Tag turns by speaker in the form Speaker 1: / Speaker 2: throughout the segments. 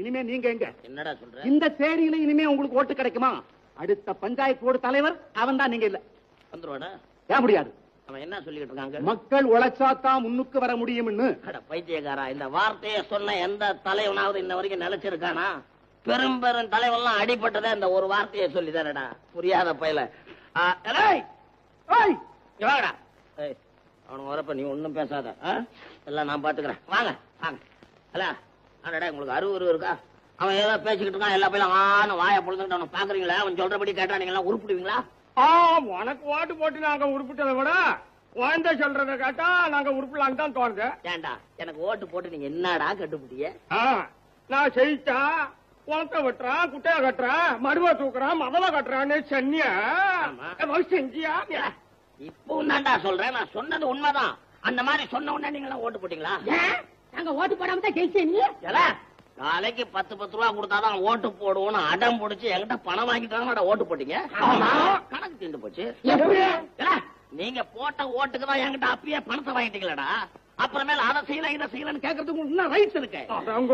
Speaker 1: இனிமே நீங்க எங்க?
Speaker 2: என்னடா சொல்ற?
Speaker 1: இந்த சேரியில இனிமே உங்களுக்கு ஓட்டு கிடைக்குமா? அடுத்த பஞ்சாயத்து போர்டு தலைவர் அவன் தான், நீங்க இல்ல.
Speaker 2: வந்துருவாடா?
Speaker 1: ஏன் முடியாது?
Speaker 2: அவன் என்ன சொல்லிட்டு இருக்காங்க?
Speaker 1: மக்கள் உழைச்சாத்தான் முன்னுக்கு வர முடியும்னு.
Speaker 2: பைத்தியக்காரா, இந்த வார்த்தையை சொன்ன எந்த தலைவனாவது இன்ன வரைக்கும் நிலைச்சிருக்கானா? பெரும் பெரும் தலைவன்லாம் அடிபட்டதே இந்த ஒரு வார்த்தையை சொல்லிதானடா. புரியாத பயல. அவனுக்கு வரப்ப நீ ஒன்னும் பேசாத, எல்லாம் நான் பாத்துக்கிறேன். வாங்க வாங்க. அல்ல அடடா, உங்களுக்கு அறிவு இருக்கா? அவன் ஏதோ பேசிக்கிட்டு இருக்கான், எல்லா பையிலும் ஆன வாயை பொழுதுகிட்டு அவனை பாக்குறீங்களா? அவன் சொல்றபடி கேட்டா நீங்க எல்லாம் உருப்பிடுவீங்களா?
Speaker 3: உனக்கு ஓட்டு போட்டு நாங்க உருப்பிட்டதை விட குழந்தை சொல்றத கேட்டா நாங்க உருப்பலான்னு தான் தோணுது.
Speaker 2: ஏண்டா, எனக்கு ஓட்டு போட்டு நீங்க என்னடா கட்டுப்பிட்டிய?
Speaker 3: நான் செய்தா குளத்தை வெட்டுறான், குட்டையா கட்டுறான், மடுவை தூக்குறான், மதவ கட்டுறான்னு சென்னியா செஞ்சியா?
Speaker 2: இப்போ தான்டா சொல்றேன், நான் சொன்னது உண்மைதான். அந்த மாதிரி சொன்ன உடனே நீங்க எல்லாம் ஓட்டு போட்டீங்களா?
Speaker 4: நாங்க ஓட்டு போடாம தான் ஜெயிச்சேன்.
Speaker 2: நாளைக்கு 10 ரூபா கொடுத்தாதான் ஓட்டு போடுவோம்னு அடம் பிடிச்சி என்கிட்ட பணம் வாங்கிட்டாங்க ஓட்டு போட்டீங்க. கணக்கு தீர்ந்து போச்சு. நீங்க போட்ட ஓட்டுக்கு தான் என்கிட்ட அப்பயே பணத்தை வாங்கிட்டீங்களா? அப்புறமேல அதை செய்யலாம் இதை செய்யலாம்னு கேட்கறதுக்கு இன்னும் ரைட்ஸ் இருக்கு.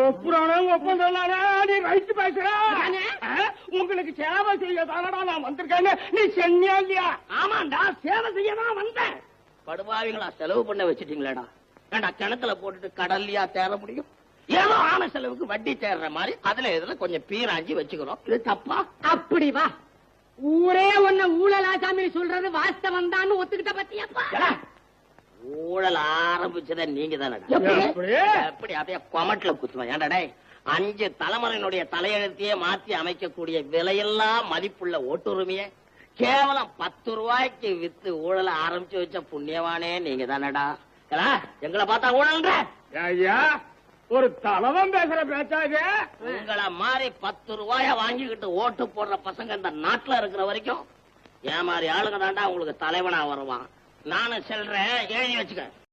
Speaker 3: உங்களுக்கு சேவை செய்ய தானடா நான் வந்திருக்கேன்னு நீ சென்னியா இல்லையா?
Speaker 2: ஆமாண்டா, சேவை செய்ய தான் வந்தேன். படுபாவிகளா செலவு பண்ண வச்சுட்டீங்களேடா. ஏண்டா, கிணத்துல போட்டுட்டு கடல்லையா தேர முடியும்? ஏதோ ஆன செலவுக்கு வட்டி தேர்ற மாதிரி அதுல இதுல கொஞ்சம் பீராஞ்சி வச்சுக்கிறோம். இது தப்பா?
Speaker 4: அப்படி வா, ஊரே ஒன்ன ஊழல் ஆசாமி சொல்றது வாஸ்தவம் தான் ஒத்துக்கிட்ட பத்தியாப்பா.
Speaker 2: ஊழல் ஆரம்பிச்சத நீங்க தானடா. எப்படி அப்படியே கொமட்ல குத்துவேன். ஏன்டா, 5 தலைமுறையினுடைய தலையெழுத்தையே மாத்தி அமைக்கக்கூடிய விலையெல்லாம் மதிப்புள்ள ஓட்டுரிமைய கேவலம் 10 ரூபாய்க்கு வித்து ஊழல ஆரம்பிச்சு வச்ச புண்ணியவானே நீங்க தானடா. எங்களை பார்த்தா ஊழல்ன்ற
Speaker 3: ஒரு தலைவன் பேசுற பேச்சாது.
Speaker 2: உங்களை மாதிரி 10 ரூபாய வாங்கிக்கிட்டு ஓட்டு போடுற பசங்க இந்த நாட்டுல இருக்கிற வரைக்கும் ஏன் மாதிரி ஆளுங்க தாண்டா உங்களுக்கு தலைவனா வருவான். நானும் சொல்றேன், எழுதி வச்சுக்க.